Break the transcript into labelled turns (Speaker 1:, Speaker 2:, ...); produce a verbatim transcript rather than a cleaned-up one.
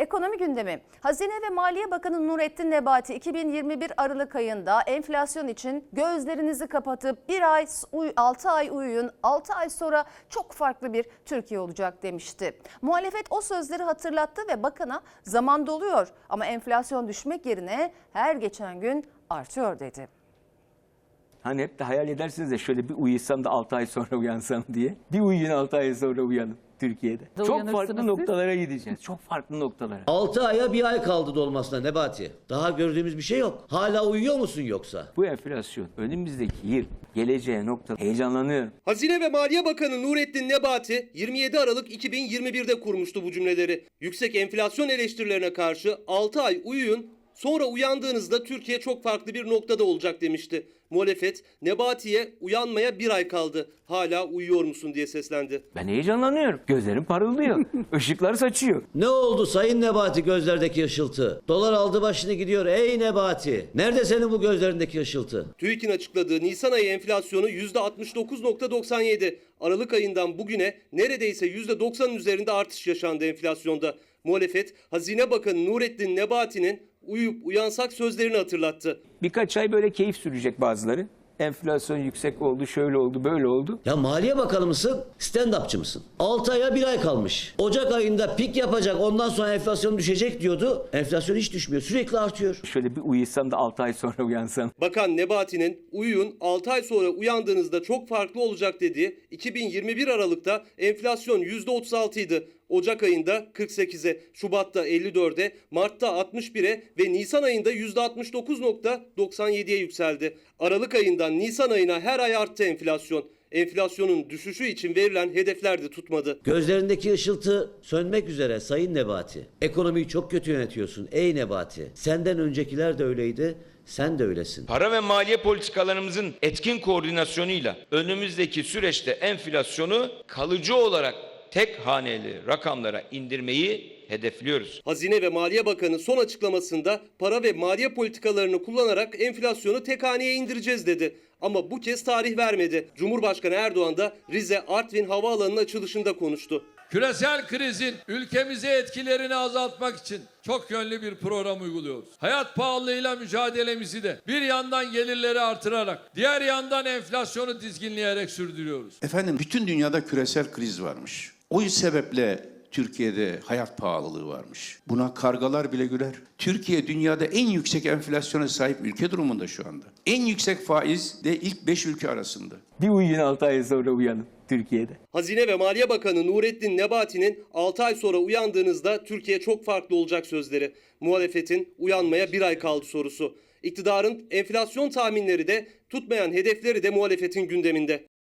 Speaker 1: Ekonomi gündemi. Hazine ve Maliye Bakanı Nurettin Nebati iki bin yirmi bir Aralık ayında enflasyon için gözlerinizi kapatıp bir ay, altı ay uyuyun, altı ay sonra çok farklı bir Türkiye olacak demişti. Muhalefet o sözleri hatırlattı ve bakana zaman doluyor ama enflasyon düşmek yerine her geçen gün artıyor dedi.
Speaker 2: Hani hep de hayal edersiniz de şöyle bir uyusam da altı ay sonra uyansam diye. Bir uyuyun altı ay sonra uyanın Türkiye'de. Çok farklı noktalara gideceğiz. Çok farklı noktalara.
Speaker 3: altı aya bir ay kaldı dolmasına Nebati. Daha gördüğümüz bir şey yok. Hala uyuyor musun yoksa?
Speaker 2: Bu enflasyon önümüzdeki yıl geleceğe nokta heyecanlanıyorum.
Speaker 4: Hazine ve Maliye Bakanı Nurettin Nebati yirmi yedi Aralık iki bin yirmi bir'de kurmuştu bu cümleleri. Yüksek enflasyon eleştirilerine karşı altı ay uyuyun, sonra uyandığınızda Türkiye çok farklı bir noktada olacak demişti. Muhalefet Nebati'ye uyanmaya bir ay kaldı, hala uyuyor musun diye seslendi.
Speaker 2: Ben heyecanlanıyorum. Gözlerim parıldıyor. Işıklar saçıyor.
Speaker 3: Ne oldu Sayın Nebati gözlerdeki ışıltı? Dolar aldı başını gidiyor ey Nebati. Nerede senin bu gözlerindeki ışıltı?
Speaker 4: TÜİK'in açıkladığı Nisan ayı enflasyonu yüzde altmış dokuz nokta doksan yedi. Aralık ayından bugüne neredeyse yüzde doksanın üzerinde artış yaşandı enflasyonda. Muhalefet Hazine Bakanı Nurettin Nebati'nin uyuyup uyansak sözlerini hatırlattı.
Speaker 2: Birkaç ay böyle keyif sürecek bazıları. Enflasyon yüksek oldu, şöyle oldu, böyle oldu.
Speaker 3: Ya Maliye Bakanı mısın, stand-upçı mısın? altı aya bir ay kalmış. Ocak ayında pik yapacak, ondan sonra enflasyon düşecek diyordu. Enflasyon hiç düşmüyor, sürekli artıyor.
Speaker 2: Şöyle bir uyusam da altı ay sonra uyansam.
Speaker 4: Bakan Nebati'nin uyuyun altı ay sonra uyandığınızda çok farklı olacak dediği iki bin yirmi bir Aralık'ta enflasyon yüzde otuz altı idi. Ocak ayında kırk sekize, Şubat'ta elli dörde, Mart'ta altmış bire ve Nisan ayında yüzde altmış dokuz nokta doksan yediye yükseldi. Aralık ayından Nisan ayına her ay arttı enflasyon. Enflasyonun düşüşü için verilen hedefler de tutmadı.
Speaker 3: Gözlerindeki ışıltı sönmek üzere Sayın Nebati. Ekonomiyi çok kötü yönetiyorsun ey Nebati. Senden öncekiler de öyleydi. Sen de öylesin.
Speaker 5: Para ve maliye politikalarımızın etkin koordinasyonuyla önümüzdeki süreçte enflasyonu kalıcı olarak tek haneli rakamlara indirmeyi hedefliyoruz.
Speaker 4: Hazine ve Maliye Bakanı son açıklamasında para ve maliye politikalarını kullanarak enflasyonu tek haneye indireceğiz dedi. Ama bu kez tarih vermedi. Cumhurbaşkanı Erdoğan da Rize Artvin Havaalanı'nın açılışında konuştu.
Speaker 6: Küresel krizin ülkemize etkilerini azaltmak için çok yönlü bir program uyguluyoruz. Hayat pahalılığıyla mücadelemizi de bir yandan gelirleri artırarak, diğer yandan enflasyonu dizginleyerek sürdürüyoruz.
Speaker 7: Efendim bütün dünyada küresel kriz varmış. O sebeple Türkiye'de hayat pahalılığı varmış. Buna kargalar bile güler. Türkiye dünyada en yüksek enflasyona sahip ülke durumunda şu anda. En yüksek faiz de ilk beş ülke arasında.
Speaker 2: Bir uyuyun altı ay sonra uyanın Türkiye'de.
Speaker 4: Hazine ve Maliye Bakanı Nurettin Nebati'nin altı ay sonra uyandığınızda Türkiye çok farklı olacak sözleri. Muhalefetin uyanmaya bir ay kaldı sorusu. İktidarın enflasyon tahminleri de tutmayan hedefleri de muhalefetin gündeminde.